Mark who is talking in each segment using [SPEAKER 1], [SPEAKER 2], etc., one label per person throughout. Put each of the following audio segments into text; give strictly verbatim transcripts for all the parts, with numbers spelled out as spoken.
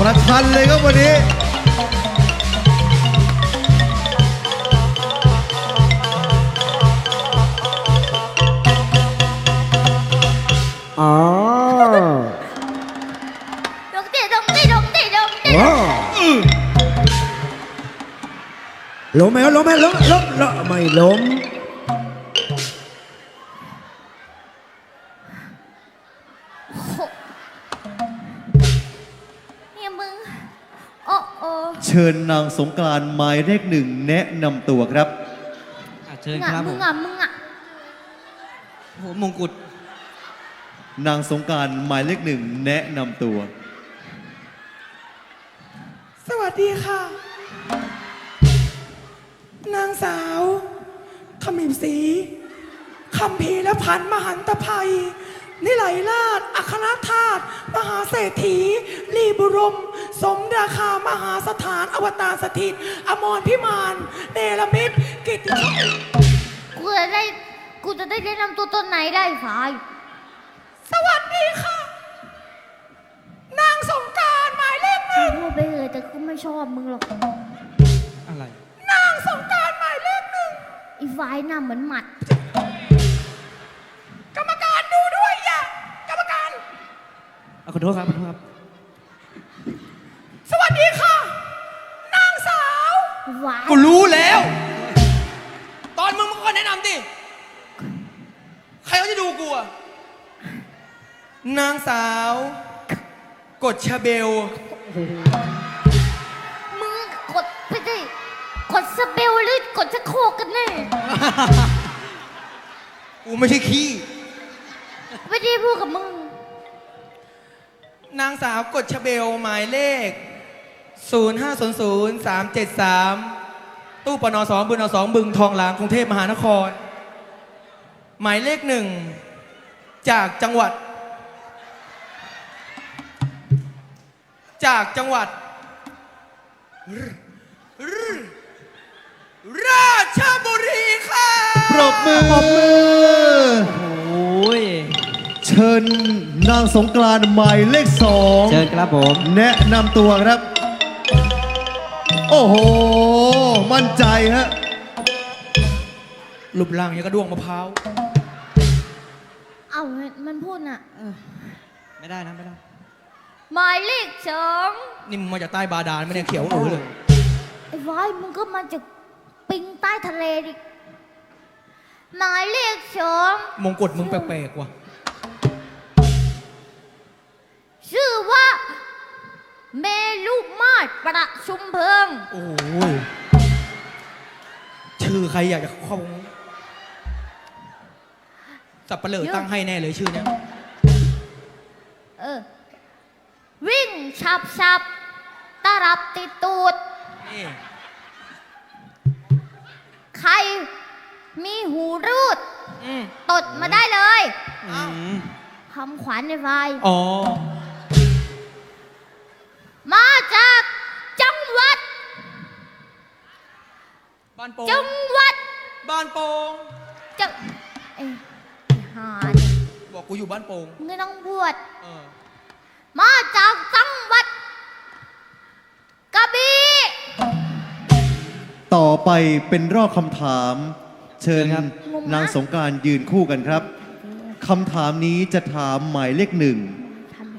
[SPEAKER 1] ประชันเลยครับวันนี้
[SPEAKER 2] อ๋อ
[SPEAKER 3] ดงเตะดงเตะดงเตะดงเตะ
[SPEAKER 2] ล้มไหมล้มไหมล้มล้มล้มไม่ล้ม
[SPEAKER 3] เนี่ยมึงโอ้โอ้
[SPEAKER 1] เชิญนางสงกรานต์หมายเลขหนึ่งแนะนำตัวครับ
[SPEAKER 4] อ่ะเชิญ
[SPEAKER 3] มึง
[SPEAKER 4] ค
[SPEAKER 3] อ่ะ
[SPEAKER 4] รับผ
[SPEAKER 3] มึง
[SPEAKER 4] ม
[SPEAKER 3] อ่ะมึงอ่ะ
[SPEAKER 4] โอ้โหมงกุฎ
[SPEAKER 1] นางสงกรานต์หมายเลขหนึ่งแนะนำตัว
[SPEAKER 5] สวัสดีค่ะ นางสาวขมิบศรีคำพีและพันธ์มหันตภัย นิไลราชอัครธาตุมหาเศรษฐี ลีบุรม สมราคามหาสถานอวตารสถิต อมรพิมาน เนรมิตกิตติ
[SPEAKER 3] กูจะได้กูจะได้แนะนำตัวตนไหนได้ฝ่าย
[SPEAKER 5] สวัสดีค่ะ นางสงกรานต์หมายเลขหนึ่ง
[SPEAKER 3] พูดไปเลยแต่กูไม่ชอบมึงหรอก
[SPEAKER 4] อะไร
[SPEAKER 5] นางสงกรานต์หมายเลขหนึ่ง
[SPEAKER 3] อีฝ่ายหน้าเหมือนหมัด
[SPEAKER 5] กรรมการดูด้วยอย่า กรรมการ
[SPEAKER 4] เอาขอโทษครับขอโทษครับ
[SPEAKER 5] สวัสดีค่ะ นางสาว
[SPEAKER 3] ฝ่าย
[SPEAKER 6] กูรู้แล้ว ตอนมึงมึงก็แนะนำดิ ใครเขาจะดูกูอะนางสาว กดชาเบล
[SPEAKER 3] มึงกดไปดิกดสเปลหรือกดชะโครกกันแน่
[SPEAKER 6] กูไม่ใช่ขี้
[SPEAKER 3] ไม่ได้พูดกับมึง
[SPEAKER 6] นางสาวกดชาเบลหมายเลข ศูนย์ ห้า ศูนย์ ศูนย์ สาม เจ็ด สาม ตู้ปนสองบึงนสองบึงทองหลางกรุงเทพมหานคร หมายเลขหนึ่ง จากจังหวัด จากจังหวัด ราชบุรีค่ะ
[SPEAKER 1] ปรบมือปรบมือ
[SPEAKER 4] โอ้ย
[SPEAKER 1] เชิญนางสงกรานต์หมายเลขสอง
[SPEAKER 4] เชิญครับผม
[SPEAKER 1] แนะนำตัวครับ โอ้โห มั่นใจฮะ
[SPEAKER 6] รูปร่างยังกระด้วงมะพร้าว
[SPEAKER 3] เอ้ามันพูดน่ะ
[SPEAKER 4] ไม่ได้นะไม่ได้
[SPEAKER 3] หมายเลขสอง
[SPEAKER 6] นี่มึงมาจากใต้บาดาลไม่ได้เขียวเออเลย
[SPEAKER 3] ไอ้ฝ่ายมึงก็มาจากปิงใต้ทะเลดิหมายเลขสอง
[SPEAKER 6] มงกุฎมึงแปลกๆว่ะ
[SPEAKER 3] ชื่อว่าเมลุมาศประชุมเพลิง
[SPEAKER 6] โอ้ยชื่อใครอยากจะเข้าสับปะเหร่อตั้งให้แน่เลยชื่อเนี้ย
[SPEAKER 3] เออ วิ่งฉับฉับตารับติดตูด
[SPEAKER 6] นี่
[SPEAKER 3] ใครมีหูรูด
[SPEAKER 6] อืม
[SPEAKER 3] ตดมาได้เลย
[SPEAKER 6] อ้าว
[SPEAKER 3] คำขวัญในไฟ
[SPEAKER 6] อ๋อ
[SPEAKER 3] มาจากจังหวัด
[SPEAKER 6] บ้านโป่ง
[SPEAKER 3] จังหวัด
[SPEAKER 6] บ้านโป่ง
[SPEAKER 3] จังเอ้ยไอ้หาเนี่ย
[SPEAKER 6] บอกกูอยู่บ้านโป่ง
[SPEAKER 3] มึงไม่ต้องพูด
[SPEAKER 6] เออ
[SPEAKER 3] มาจากจังหวัดกระบี่
[SPEAKER 1] ต่อไปเป็นรอบคำถาม เชิญ
[SPEAKER 4] ครับ
[SPEAKER 1] นางสงกรานต์ยืนคู่กันครับคำถามนี้จะถามหมายเลขหนึ่ง
[SPEAKER 3] ทำไม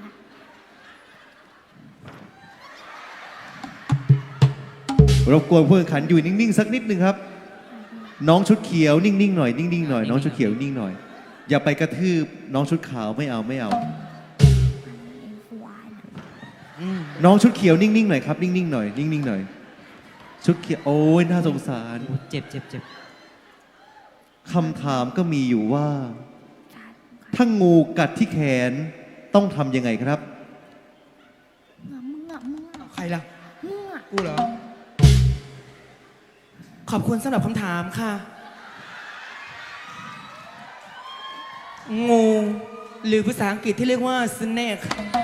[SPEAKER 1] รบกวนผู้แข่งขันอยู่นิ่งๆสักนิดหนึ่งครับ น้องชุดเขียวนิ่งๆหน่อยนิ่งๆหน่อยน้องชุดเขียวนิ่งหน่อย อย่าไปกระทืบน้องชุดขาวไม่เอาไม่เอา น้องชุดเขียวนิ่งๆหน่อยครับนิ่งๆหน่อยนิ่งๆหน่อย ชุดเขียวโอ้ยน่าสงสาร
[SPEAKER 4] โอ้เจ็บเจ็บเจ็บ
[SPEAKER 1] คำถามก็มีอยู่ว่า ถ้างูกัดที่แขนต้องทำยังไงครับ
[SPEAKER 3] มึงอะมึงอะ
[SPEAKER 6] ใครล่ะ
[SPEAKER 3] มึงอะ
[SPEAKER 6] กูเหรอ ขอบคุณสำหรับคำถามค่ะ งู หรือภาษาอังกฤษที่เรียกว่า snake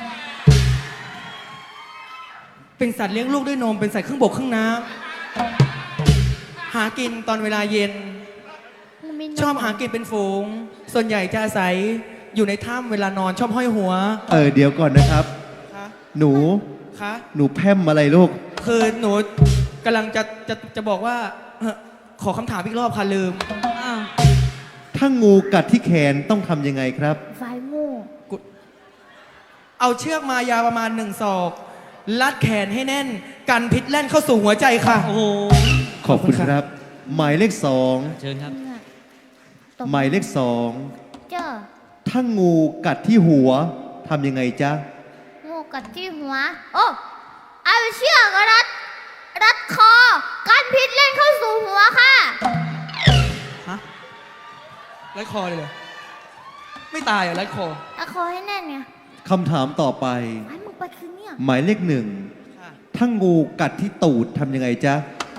[SPEAKER 6] เป็นสัตว์เลี้ยงลูกด้วยนม เป็นสัตว์ครึ่งบกครึ่งน้ำหากินตอนเวลาเย็น
[SPEAKER 3] มึงมีนม
[SPEAKER 6] ชอบหากินเป็นฝูง ส่วนใหญ่จะอาศัยอยู่ในถ้ำเวลานอนชอบห้อยหัว
[SPEAKER 1] เออเดี๋ยวก่อนนะครับ
[SPEAKER 6] คะ
[SPEAKER 1] หนู
[SPEAKER 6] คะ
[SPEAKER 1] หนูแพร่มอะไรลูก
[SPEAKER 6] คือหนูกำลังจะจะจะบอกว่าเอ่อขอคำถามอีกรอบค่ะลืม
[SPEAKER 4] อ้าว
[SPEAKER 1] ถ้างูกัดที่แขนต้องทำยังไงครับ
[SPEAKER 3] ไฟงู
[SPEAKER 6] เอาเชือกมายาวประมาณหนึ่งศอกลัดแขนให้แน่น กันพิษแล่นเข้าสู่หัวใจค่ะ
[SPEAKER 4] โอ้โห
[SPEAKER 1] ขอบคุณครับ หมายเลขสอง
[SPEAKER 4] เชิญครับ
[SPEAKER 3] เนี่ยตบ
[SPEAKER 1] หมายเลขสอง
[SPEAKER 3] เจ้า
[SPEAKER 1] ถ้างูกัดที่หัวทำยังไงจ๊ะ
[SPEAKER 3] งูกัดที่หัว โอ้เอาเชือกรัด รัดคอ กันพิษเล่นเข้าสู่หัวค่ะ
[SPEAKER 6] ฮะรัดคอเลยเหรอ ไม่ตายเหรอรัดคอ
[SPEAKER 3] รัดคอให้แน่นไง
[SPEAKER 1] คำถามต่อไป
[SPEAKER 3] ไอ้มึงไปคืนเนี่ย
[SPEAKER 1] หมายเลขหนึ่ง
[SPEAKER 6] ค่ะ
[SPEAKER 1] ถ้างูกัดที่ตูดทำยังไงจ๊ะ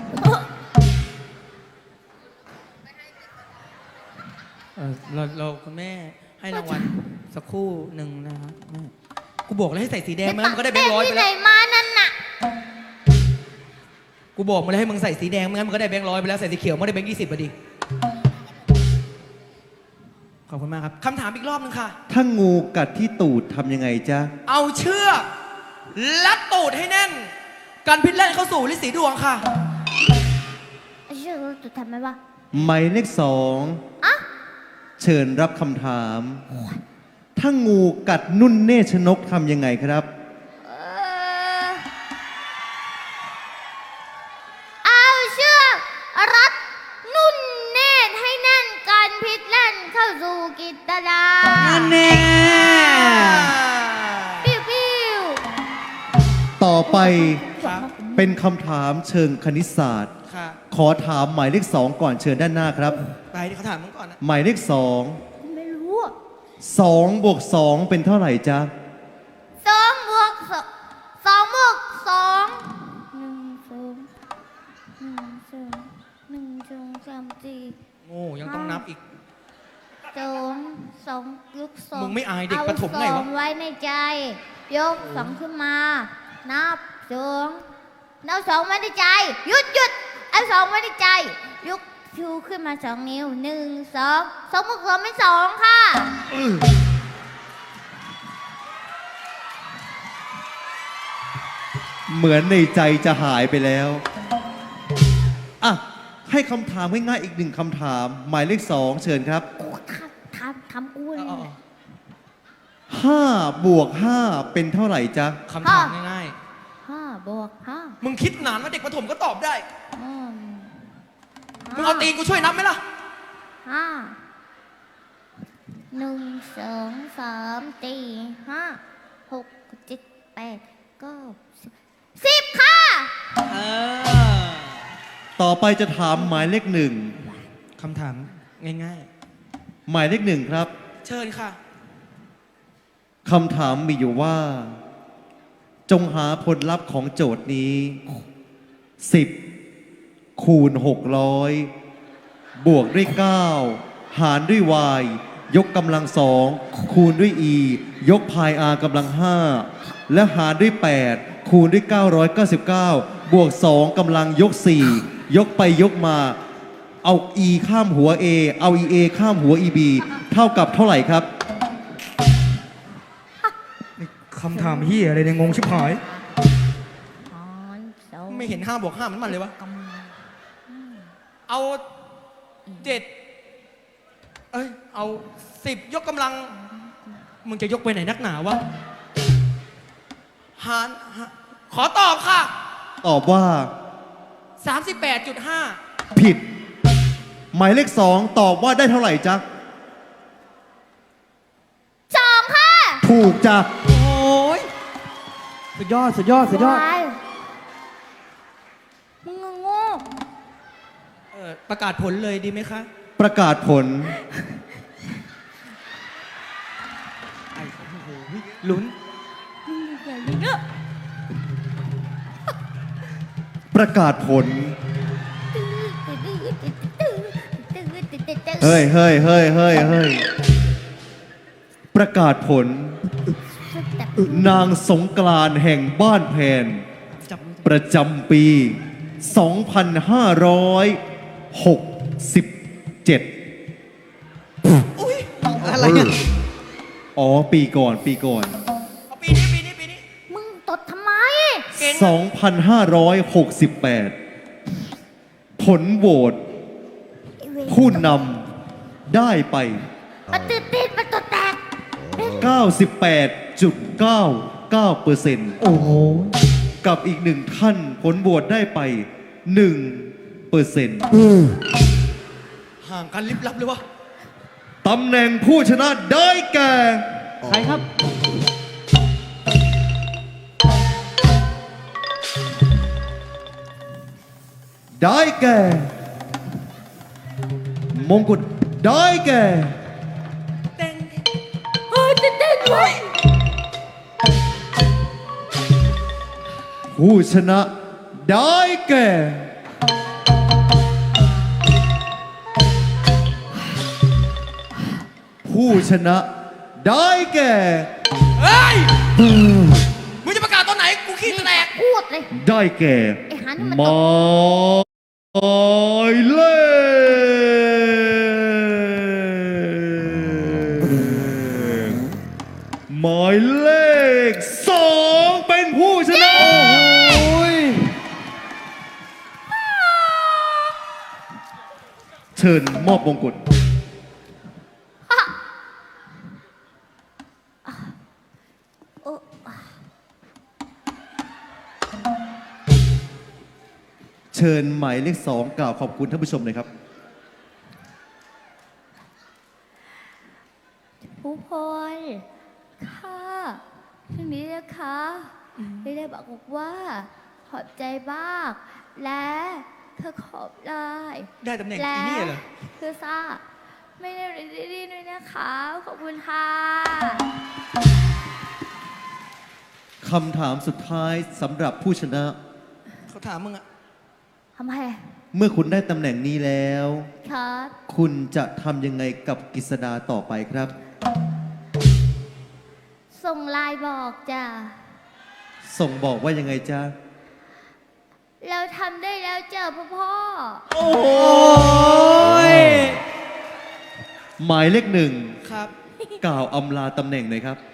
[SPEAKER 6] เออเราเราคุณแม่ให้รางวัลสักครู่หนึ่งนะครับแม่กูบอกแล้วให้ใส่สีแดงมาแล้วมันก็ได้แบงค์ร้อยไป
[SPEAKER 3] ที่ไหน
[SPEAKER 6] แล้ว
[SPEAKER 3] มานั่นน่ะ
[SPEAKER 6] กูบอกมาแล้วให้มึงใส่สีแดงไม่งั้นมันก็ได้แบงค์ร้อยไปแล้วใส่สีเขียวมันได้แบงค์ยี่สิบพอดีขอบคุณมากครับคำถามอีกรอบหนึงค่ะ
[SPEAKER 1] ถ้างูกัดที่ตูดทำยังไงจ๊ะ
[SPEAKER 6] เอาเชือกลัดตูดให้แน่น กันพิษแล่นเข้าสู่ฤทธิ์สีดวงค่ะ
[SPEAKER 3] ไอ้เชือกจะทำไหมวะ
[SPEAKER 1] หมายเลขสอง
[SPEAKER 3] อะ
[SPEAKER 1] เชิญรับคำถาม ถ้างูกัดนุ่นเนชนกทำยังไงครับ
[SPEAKER 3] เอ่อเอาเชือกรัดนุ่นเนตรให้แน่นกันพิษแล่นเข้าสู่กิตดา
[SPEAKER 4] นั่นแน่
[SPEAKER 3] ปิ้วปิ้ว
[SPEAKER 1] ต่อไป
[SPEAKER 6] ครับ
[SPEAKER 1] เป็นคำถามเชิงคณิตศาสตร์
[SPEAKER 6] ค่ะ
[SPEAKER 1] ขอถามหมายเลขสองก่อนเชิญด้านหน้าครับ
[SPEAKER 6] ไปที่เขาถามมึงก่อนนะ
[SPEAKER 1] หมายเลขสอง
[SPEAKER 3] ไม่รู้อะ
[SPEAKER 1] สองบวกสองเป็นเท่าไหร่จ๊ะ
[SPEAKER 3] สองบวกสองสองบวกสองหนึ่งสองหนึ่งสองหนึ่งสองสามสี่
[SPEAKER 6] โง่ยังต้องนับอีก
[SPEAKER 3] สองสองยกสอง
[SPEAKER 6] มึงไม่อายเด็ก
[SPEAKER 3] เ
[SPEAKER 6] ประถมไงวะ
[SPEAKER 3] สองไว้ในใจ ยกสองขึ้นมา นับสองเอาสองไว้ในใจ หยุดหยุดเอาสองไว้ในใจ ยกชูขึ้นมาสองนิ้วหนึ่งสองสองบวกสองเป็นสองค่ะ
[SPEAKER 1] เหมือนในใจจะหายไปแล้ว อ่ะ ให้คำถามง่ายๆอีกหนึ่งคำถาม หมายเลขสองเชิญครับ
[SPEAKER 3] โอ้ทำทำทำกูเลย
[SPEAKER 6] เอาเอา
[SPEAKER 1] ห้าบวกห้าเป็นเท่าไหร่จ๊ะ
[SPEAKER 6] ๆคำถามง่าย
[SPEAKER 3] ห้าบวกห้า
[SPEAKER 6] ๆ มึงคิดนานว่าเด็กประถมก็ตอบได้
[SPEAKER 3] อืม
[SPEAKER 6] มึงเอาตีนกูช่วยนับไหมล่ะ
[SPEAKER 3] ห้าหนึ่งสองสามสี่ห้าหกเจ็ดแปดเก้าสิบสิบค่ะ
[SPEAKER 4] เออ
[SPEAKER 1] ต่อไปจะถามหมายเลขหนึ่ง
[SPEAKER 6] คำถามง่าย
[SPEAKER 1] หมายเลขหนึ่งครับ
[SPEAKER 6] ๆ เชิญค่ะ
[SPEAKER 1] คำถามมีอยู่ว่า จงหาผลลัพธ์ของโจทย์นี้ สิบ คูณ หกร้อย บวกด้วย เก้า หารด้วย y ยกกำลังสอง คูณด้วย e ยกพาย r กำลังห้า และหารด้วย แปด คูณด้วย เก้าร้อยเก้าสิบเก้า บวก สอง กำลังยก สี่ ยกไปยกมา เอา e ข้ามหัว a เอา ea ข้ามหัว eb เท่ากับเท่าไหร่ครับ
[SPEAKER 2] คำถามเฮียอะไรเนี่ยงงชิบหาย
[SPEAKER 3] หารสอง
[SPEAKER 6] ไม่เห็นห้าบวกห้ามันมันเลยวะ
[SPEAKER 3] กำลัง
[SPEAKER 6] เอาเจ็ดเอ้ย เอาสิบยกกำลัง มึงจะยกไปไหนนักหนาวะ หารหาขอตอบค่ะ
[SPEAKER 1] ตอบว่า
[SPEAKER 6] สามสิบแปดจุดห้า
[SPEAKER 1] ผิด หมายเลขสองตอบว่าได้เท่าไหร่จ๊ะ
[SPEAKER 3] สองค่ะ
[SPEAKER 1] ถูกจ้ะ
[SPEAKER 4] โอ้ยสุดยอด สุดยอด สุดยอด
[SPEAKER 3] วายมึงโง่
[SPEAKER 6] เออประกาศผลเลยดีไหมคะ
[SPEAKER 1] ประกาศผล
[SPEAKER 6] ไอ้โอ้โหลุ้น
[SPEAKER 1] ประกาศผล เฮ้ยเฮ้ยเฮ้ยเฮ้ยเฮ้ยประกาศผล นางสงกรานต์แห่งบ้านแพน
[SPEAKER 4] จับมือ
[SPEAKER 1] ประจำปี สองพันห้าร้อยหกสิบเจ็ด
[SPEAKER 6] อุ้ย
[SPEAKER 4] อะไรเนี่ย
[SPEAKER 1] อ๋อ ปีก่อน ปีก่อน
[SPEAKER 6] เอาปีนี้ปีนี้ปีนี้
[SPEAKER 3] มึงตดทำไม
[SPEAKER 6] ง
[SPEAKER 1] สองพันห้าร้อยหกสิบแปด ผลโหวตผู้นำได้ไป
[SPEAKER 3] มันตื่นเต้นมันตัวแตก
[SPEAKER 1] เก้าสิบแปดจุดเก้าเก้าเปอร์เซ็นต์
[SPEAKER 2] โอ้โห
[SPEAKER 1] กับอีกหนึ่งท่านผลโหวตได้ไปหนึ่งเปอร์เซ็นต์
[SPEAKER 6] ห่างกันลิบลับเลยวะ
[SPEAKER 1] ตำแหน่งผู้ชนะได้แก่
[SPEAKER 4] ใครครับ
[SPEAKER 1] ได้แก่ มงกุฎได้แก่
[SPEAKER 6] เต้ง
[SPEAKER 3] เฮ้ยตื่นเต้นเว้ย
[SPEAKER 1] ผู้ชนะได้แก่ ผู้ชนะได้แก่
[SPEAKER 6] เฮ้ย มึงจะประกาศตอนไหน กูขี้แตก
[SPEAKER 3] พูดเลย
[SPEAKER 1] ได้แก่
[SPEAKER 3] ไอ้หานี่มัน
[SPEAKER 1] หมายเลขหมายเลขสองเป็นผู้ชนะ เชิญมอบมงกุฎ
[SPEAKER 3] โอ้
[SPEAKER 1] เชิญหมายเลขสองกล่าวขอบคุณท่านผู้ชมหน่อยครับ
[SPEAKER 3] ผู้พลค่ะทีนี้นะคะไม่ได้บอกว่า ขอบใจมาก และเธอขอบได้
[SPEAKER 6] ได้ตำแหน่ง
[SPEAKER 3] และ
[SPEAKER 6] อีนี่เหรอ
[SPEAKER 3] คือซ่าไม่ได้รีดีด้วยนะคะ ขอบคุณค่ะ
[SPEAKER 1] คำถามสุดท้ายสำหรับผู้ชนะ
[SPEAKER 6] เขาถามมึงอะ
[SPEAKER 3] ทำไม
[SPEAKER 1] เมื่อคุณได้ตำแหน่งนี้แล้ว
[SPEAKER 3] ครับ
[SPEAKER 1] คุณจะทำยังไงกับกฤษดาต่อไปครับ
[SPEAKER 3] ส่งไลน์บอกจ้ะ
[SPEAKER 1] ส่งบอกว่ายังไงจ๊ะ
[SPEAKER 3] เราทำได้แล้วเจ้าพ่อพ่อ
[SPEAKER 6] โอ้ย
[SPEAKER 1] หมายเลขหนึ่ง
[SPEAKER 6] ครับ
[SPEAKER 1] กล่าวอำลาตำแหน่งหน่อยครับ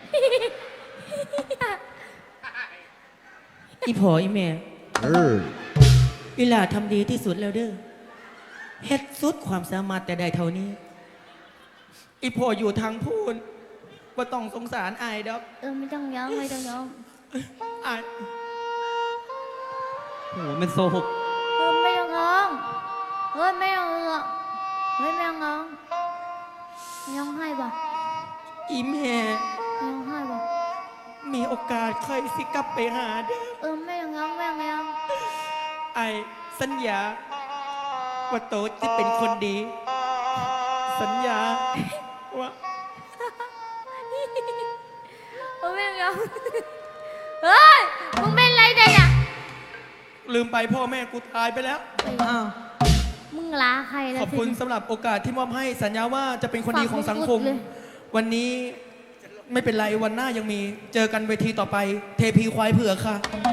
[SPEAKER 7] อีพออีแม่
[SPEAKER 2] เออ
[SPEAKER 7] อีหลาทำดีที่สุดแล้วเด้อเฮ็ดสุดความสามารถแต่ได้เท่านี้
[SPEAKER 6] อีพออยู่ทางพูนว่าต้องสงสารอายดอก
[SPEAKER 3] เออไม่ต้องย้องไม่ต้องย้อง
[SPEAKER 6] อาย
[SPEAKER 4] โอ้โหเป็นโซหก
[SPEAKER 3] เออไม่ต้องย้องเฮ้ยไม่ต้องย้องเฮ้ยไม่ต้องย้องย้องให้บ่
[SPEAKER 6] อีแม่
[SPEAKER 3] ย้องให้บ่
[SPEAKER 6] มีโอกาสค่อยสิกลับไปหาเด้อ
[SPEAKER 3] เออไม่ต้องย้องไม่ต้องย้อง
[SPEAKER 6] ไอายสัญญา ว่าโตจะเป็นคนดี สัญญาว่า
[SPEAKER 3] เออไม่ต้องย้องเฮ้ยมึงเป็นไรเนี่ย
[SPEAKER 6] ลืมไปพ่อแม่กูตายไปแล้ว
[SPEAKER 7] อ้าว
[SPEAKER 3] มึงลาใครแล้ว
[SPEAKER 6] ขอบคุณสำหรับโอกาสที่มอบให้สัญญาว่าจะเป็นคนดีของสังคม
[SPEAKER 3] ฝากมงกุฎเลย
[SPEAKER 6] วันนี้ไม่เป็นไรวันหน้ายังมีเจอกันเวทีต่อไป เทพีควายเผือกค่ะ